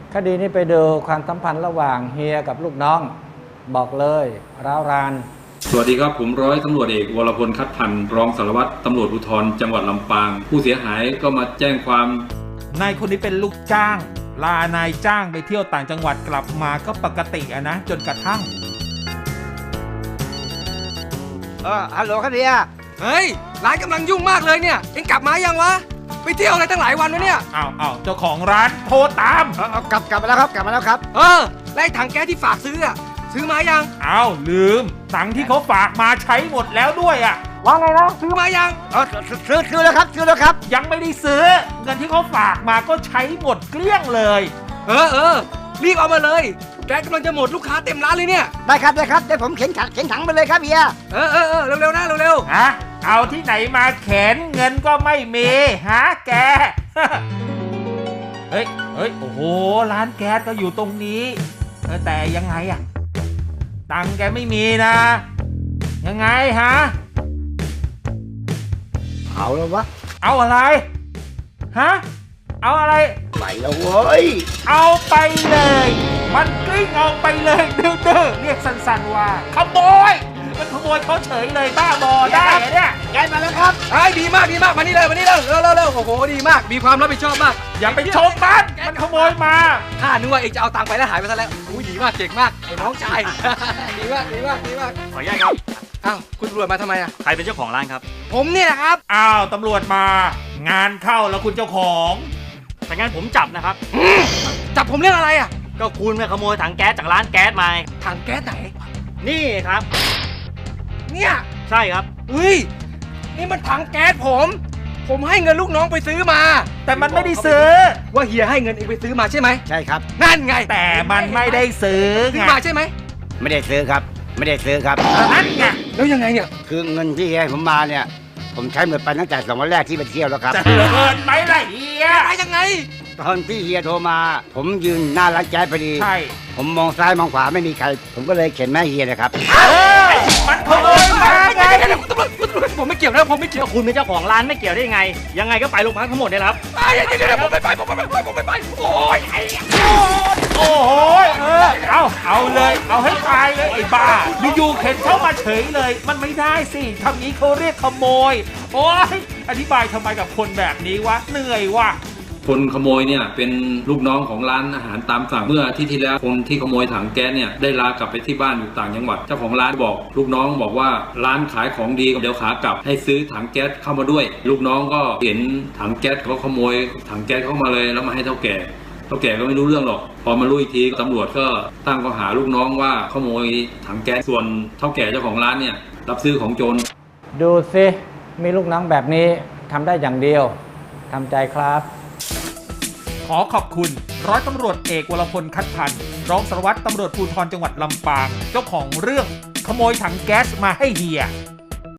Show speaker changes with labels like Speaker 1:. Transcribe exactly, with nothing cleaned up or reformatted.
Speaker 1: คดีนี้ไปดูความสัมพันธ์ระหว่างเฮียกับลูกน้องบอกเลยร้าวราน
Speaker 2: สวัสดีครับผมร้อยตำรวจเอกวรพลคัดพันธ์รองสารวัตรตำรวจภูธรจังหวัดลำปางผู้เสียหายก็มาแจ้งความ
Speaker 3: นายคนนี้เป็นลูกจ้างลานายจ้างไปเที่ยวต่างจังหวัดกลับมาก็ปกติอะนะจนกระทั่ง
Speaker 4: เออฮัลโหลครับเฮีย
Speaker 5: เฮ้ยร้านกำลังยุ่งมากเลยเนี่ยเอ็งกลับมายังวะไปเที่ยวอะไรตั้งหลายวันวะเนี่ย
Speaker 3: อ้าวอ้าวเจ้าของร้านโทรตาม
Speaker 4: เออเอากลับกลับมาแล้วครับกลับมาแล้วครับ
Speaker 5: เออไล่ถังแก๊สที่ฝากซื้ออะซื้อมายัง
Speaker 3: อ้าวลืมตังค์ที่เขาฝากมาใช้หมดแล้วด้วยอะ
Speaker 5: ว่าไงนะซื้อมายัง
Speaker 4: เออซื้อซื้อแล้วครับซื้อแล้วครับ
Speaker 3: ยังไม่ได้ซื้อเงินที่เขาฝากมาก็ใช้หมดเกลี้ยงเลย
Speaker 5: เออเออรีบเอามาเลยแก๊สกำลังจะหมดลูกค้าเต็มร้านเลยเนี่ย
Speaker 4: ได้ครับได้ครับเดี๋ยวผมเข็นถังเข็นถังไปเลยครับเฮีย
Speaker 5: เออเออเออเร็วๆนะเร็ว
Speaker 3: ๆฮะเอาที่ไหนมาเข็นเงินก็ไม่มีฮะแกเฮ้ยเฮ้ยโอ้โหร้านแก๊สก็อยู่ตรงนี้แต่ยังไงอะตังค์แกไม่มีนะยังไงฮะ
Speaker 4: เอาแล้ววะ
Speaker 3: เอาอะไรฮะเอาอะไร
Speaker 4: ไปแล้วเว้ย
Speaker 3: เอาไปเลยมันกลิ้งเอาไปเลยดื้อๆเรียกสั้นๆว่าขโมยมันขโมยเขาเฉยเลยบ้าบอได้เนี่ย
Speaker 4: แกมาแล้วครับ
Speaker 5: ไอ้ดีมากดีมากมานี่เลยมานี่เลยเร็วเร็วเร็วโอ้โหดีมากมีความรับผิดชอบมาก
Speaker 3: อย่าไปชมมันมันขโมยมา
Speaker 5: ข้านึกว่าเองจะเอาตังค์ไปแล้วหายไปซะแล้วอุ้ยดีมากเก่งมากไอ้น้องชายดีมากดีมากดีมาก
Speaker 6: ขออนุญาตครับ
Speaker 5: อ้าวคุณตำรวจมาทำไมอ่ะ
Speaker 6: ใครเป็นเจ้าของร้านครับ
Speaker 5: ผมเนี่ยนะครับ
Speaker 3: อ้าวตำรวจมางานเข้าแล้วคุณเจ้าของ
Speaker 6: แต่งั้นผมจับนะครับ
Speaker 5: จับผมเรื่องอะไรอ่ะ
Speaker 6: ก็คุณไปขโมยถังแก๊สจากร้านแก๊สมา
Speaker 5: ถังแก๊สไหน
Speaker 6: นี่ครับ
Speaker 5: เนี่ย
Speaker 6: ใช่ครับ
Speaker 5: เฮ้ยนี่มันถังแก๊สผมผมให้เงินลูกน้องไปซื้อมา
Speaker 3: แต่มันไม่ได้ซื้อ
Speaker 5: ว่าเฮียให้เงินเองไปซื้อมาใช่ไหม
Speaker 4: ใช่ครับ
Speaker 5: นั่นไง
Speaker 3: แต่มันไม่ได้ซื้อ
Speaker 5: ซื้อมาใช่ไหม
Speaker 4: ไม่ได้ซื้อครับไม่ได้ซื้อครับ
Speaker 3: นั่นไง
Speaker 5: แล้วยังไงเนี่ย
Speaker 4: คือเงินที่เฮียให้ผมมาเนี่ยผมใช้หมดไปตั้งแต่สองวันแรกที่ไปเที่ยวแล้วครับ
Speaker 3: จะเกินไหมล่ะเฮีย
Speaker 5: อะไรยังไง
Speaker 4: ตอนที่เฮียโทรมาผมยืนหน้าร้านแก๊สพอดี
Speaker 3: ใช่
Speaker 4: ผมมองซ้ายมองขวาไม่มีใครผมก็เลยเข็นแม่เฮียนะครับ
Speaker 3: มันขโมยมาไง
Speaker 5: ผมไม่เกี่ยวนะผมไม่เกี่ยว
Speaker 6: คุณเป็นเจ้าของร้านไม่เกี่ยวได้ยังไงยังไงก็ไปโรงพักทั้งหมดเลยครับ
Speaker 5: ไปเดี๋ยวผมไม่ไปผมไม่ไปผมไม่ไปโอ้ย
Speaker 3: โอ้โหเออเอาเอาเลยเอาให้ตายเลยไอ้บ้าอยู่ๆเข็นเข้ามาเฉยเลยมันไม่ได้สิทำนี้เขาเรียกขโมยโอ้ยอธิบายทำไมกับคนแบบนี้วะเหนื่อยว่ะ
Speaker 2: คนขโมยเนี่ยเป็นลูกน้องของร้านอาหารตามสั่งเมื่ออาทิตย์ที่แล้วคนที่ขโมยถังแก๊สเนี่ยได้ลากลับไปที่บ้านอยู่ต่างจังหวัดเจ้าของร้านบอกลูกน้องบอกว่าร้านขายของดีเดี๋ยวขากลับให้ซื้อถังแก๊สเข้ามาด้วยลูกน้องก็เห็นถังแก๊สเขาขโมยถังแก๊สเข้ามาเลยแล้วมาให้เท่าแก่เท่าแก่ก็ไม่รู้เรื่องหรอกพอมารู้อีกทีตำรวจก็ตั้งข้อหาลูกน้องว่าขโมยถังแก๊สส่วนเท่าแก่เจ้าของร้านเนี่ยรับซื้อของโจร
Speaker 1: ดูสิมีลูกน้องแบบนี้ทำได้อย่างเดียวทำใจครับ
Speaker 3: ขอขอบคุณร้อยตำรวจเอกวรพลคัดพันธ์รองสารวัตรตำรวจภูธรจังหวัดลำปางเจ้าของเรื่องขโมยถังแก๊สมาให้เฮีย